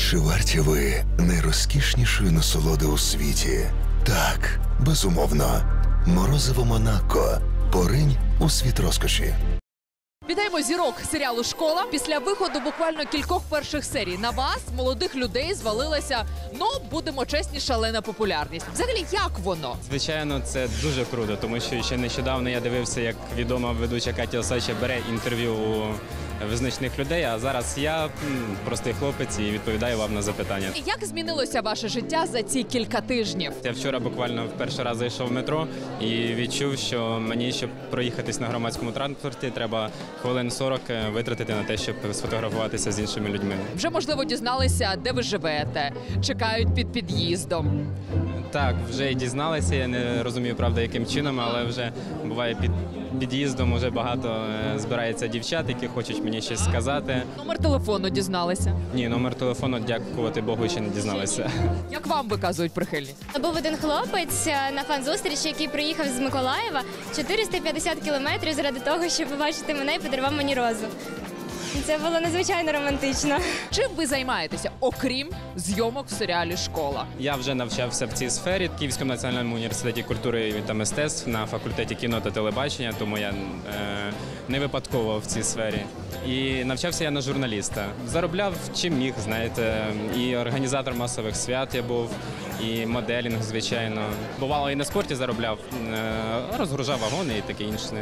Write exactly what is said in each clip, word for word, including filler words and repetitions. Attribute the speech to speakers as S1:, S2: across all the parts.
S1: Чи варті ви найрозкішнішої насолоди у світі? Так, безумовно. Морозиво Монако. Поринь у світ розкоші.
S2: Вітаємо зірок серіалу «Школа». Після виходу буквально кількох перших серій на вас, молодих людей, звалилася, ну, будемо чесні, шалена популярність. Взагалі, як воно?
S3: Звичайно, це дуже круто, тому що ще нещодавно я дивився, як відома ведуча Катя Осадча бере інтерв'ю у визначних людей, а зараз я м, простий хлопець і відповідаю вам на запитання.
S2: Як змінилося ваше життя за ці кілька тижнів?
S3: Я вчора буквально в перший раз зайшов в метро і відчув, що мені, щоб проїхатись на громадському транспорті, треба хвилин сорок витратити на те, щоб сфотографуватися з іншими людьми.
S2: Вже, можливо, дізналися, де ви живете, чекають під під'їздом.
S3: Так, вже і дізналися, я не розумію, правда, яким чином, але вже буває під під'їздом вже багато е, збирається дівчат, які хочуть мені щось сказати.
S2: Номер телефону дізналися.
S3: Ні, номер телефону, дякувати Богу, ще не дізналися.
S2: Як вам виказують прихильність?
S4: Був один хлопець на фан-зустрічі, який приїхав з Миколаєва чотириста п'ятдесят кілометрів заради того, щоб побачити мене і подарував мені розу. Це було надзвичайно романтично.
S2: Чим ви займаєтеся, окрім зйомок в серіалі «Школа»?
S3: Я вже навчався в цій сфері в Київському національному університеті культури та мистецтв на факультеті кіно та телебачення, тому я е, не випадково в цій сфері. І навчався я на журналіста. Заробляв чим міг, знаєте, і організатор масових свят я був, і моделінг, звичайно. Бувало, і на спорті заробляв, е, розгружав вагони і таке інше.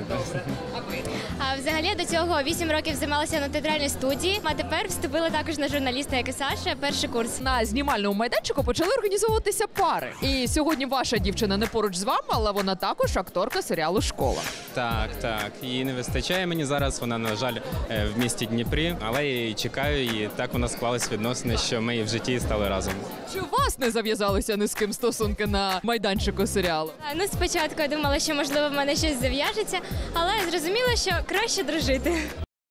S4: А взагалі я до цього вісім років займалася на театральній студії, а тепер вступила також на журналіста, як і Саша, перший курс.
S2: На знімальному майданчику почали організовуватися пари. І сьогодні ваша дівчина не поруч з вами, але вона також акторка серіалу «Школа».
S3: Так, так. Її не вистачає мені зараз. Вона, на жаль, в місті Дніпрі, але я її чекаю, і так у нас склались відносини, що ми і в житті стали разом.
S2: Чи у вас не зав'язалися ні з ким стосунки на майданчику серіалу?
S4: А, Ну, спочатку я думала, що можливо в мене щось зав'яжеться, але зрозуміла, що краще дружити.